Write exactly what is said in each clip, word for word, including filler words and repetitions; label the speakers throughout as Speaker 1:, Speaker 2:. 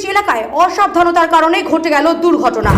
Speaker 1: Bridge এলাকায় অসাবধানতার কারণে ঘটে গেল দুর্ঘটনা।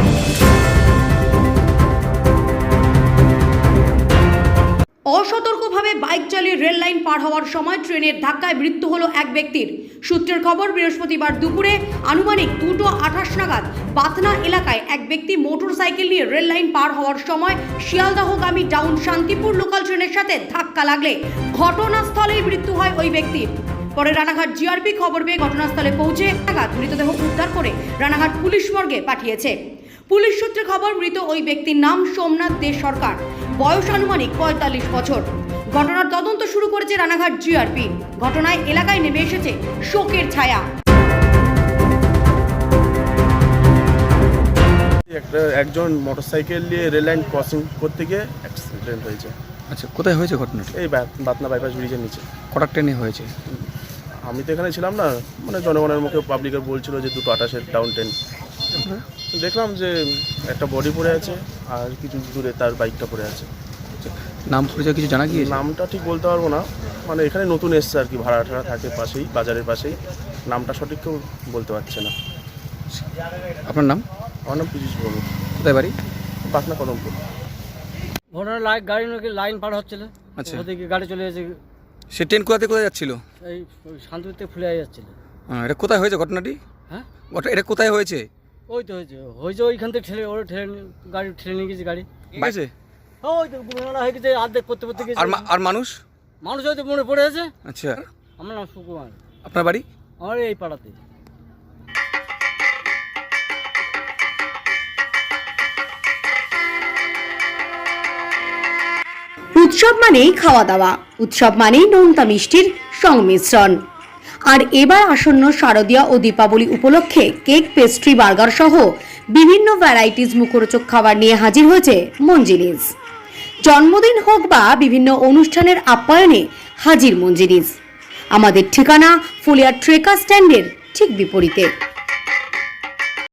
Speaker 1: অসতর্কভাবে বাইক চালিয়ে রেল লাইন পার হওয়ার সময় ট্রেনের ধাক্কায় মৃত্যু হলো এক ব্যক্তির। সূত্রের খবর, বৃহস্পতিবার দুপুরে আনুমানিক দুটো আঠাশ নাগাদ বাতনা এলাকায় এক ব্যক্তি মোটর সাইকেল নিয়ে রেল লাইন পার হওয়ার সময় শিয়ালদাহগামী ডাউন শান্তিপুর লোকাল ট্রেনের সাথে ধাক্কা লাগলে ঘটনাস্থলেই মৃত্যু হয় ওই ব্যক্তির। পরে রানাঘাট জিআরপি খবর পেয়ে ঘটনাস্থলে পৌঁছে নাগাদ মৃতদেহ উদ্ধার করে রানাঘাট পুলিশ মর্গে পাঠিয়েছে। পুলিশ সূত্রে খবর, মৃত ওই ব্যক্তির নাম সোমনাথ দে সরকার, বয়স আনুমানিক পঁয়তাল্লিশ বছর। ঘটনার তদন্ত শুরু করেছে রানাঘাট জিআরপি। ঘটনায় এলাকায় নেমে এসেছে শোকের ছায়া।
Speaker 2: একটা একজন মোটরসাইকেল নিয়ে রেল লাইন ক্রসিং করতে গিয়ে অ্যাক্সিডেন্ট হয়েছে।
Speaker 3: আচ্ছা, কোথায় হয়েছে ঘটনাটা?
Speaker 2: এই বাতনা বাইপাস ব্রিজের নিচে।
Speaker 3: কটা ট্রেনে হয়েছে?
Speaker 2: আমি তো এখানে ছিলাম না, মানে জনগণের মুখে পাবলিকের বলছিল যে দুটো আঠাশের ডাউন ট্রেন। দেখলাম যে একটা বডি পড়ে আছে আর কিছু দূরে তার বাইকটা পড়ে আছে।
Speaker 3: নাম পরিচয় কিছু জানা গিয়েছে?
Speaker 2: নামটা ঠিক বলতে পারবো না, মানে এখানে নতুন এসছে আর কি, ভাড়া ঠাড়া থাকে পাশেই, বাজারের পাশেই। নামটা সঠিক কেউ বলতে পারছে না।
Speaker 3: আপনার নাম?
Speaker 2: আমার নাম পীযূষ ভৌমিক।
Speaker 3: কোথায় বাড়ি?
Speaker 2: পাটনা কদমপুর।
Speaker 4: ঘটনা লাইন গাড়ি নাকি লাইন পার হচ্ছিল।
Speaker 3: আচ্ছা,
Speaker 4: ওদিকে গাড়ি চলে গেছে।
Speaker 3: সে ট্রেন কোথা থেকে কোথায় যাচ্ছিল?
Speaker 4: এই শান্তিপুর থেকে ফুলে যাচ্ছিল।
Speaker 3: হ্যাঁ, এটা কোথায় হয়েছে ঘটনাটি?
Speaker 4: হ্যাঁ,
Speaker 3: এটা কোথায় হয়েছে?
Speaker 4: ওই তো হয়েছে হয়েছে ওইখান থেকে ঠেলে ওরা ঠেলে নিয়ে- গাড়ি ঠেলে নিয়ে গেছে গাড়ি।
Speaker 3: বাইছে?
Speaker 4: ওই তো ঘটনা হয়ে গেছে, আর্ধেক করতে করতে গেছে।
Speaker 3: আর মা- আর মানুষ?
Speaker 4: মানুষ হয়তো মনে পড়ে আছে।
Speaker 3: আচ্ছা,
Speaker 4: আমার নাম সুকুমার।
Speaker 3: আপনার বাড়ি?
Speaker 4: আমার এই পাড়াতে।
Speaker 1: উৎসব মানেই খাওয়া দাওয়া, উৎসব মানেই নোনতা মিষ্টির সংমিশ্রণ। আর এবার আসন্ন শারদীয়া ও দীপাবলি উপলক্ষে কেক, পেস্ট্রি, বার্গার সহ বিভিন্ন ভ্যারাইটিস মুখরোচক খাবার নিয়ে হাজির হয়েছে মঞ্জিনিস। জন্মদিন হোক বা বিভিন্ন অনুষ্ঠানের আপ্যায়নে হাজির মঞ্জিনিস। আমাদের ঠিকানা ফুলিয়া ট্রেকার স্ট্যান্ডের ঠিক বিপরীতে।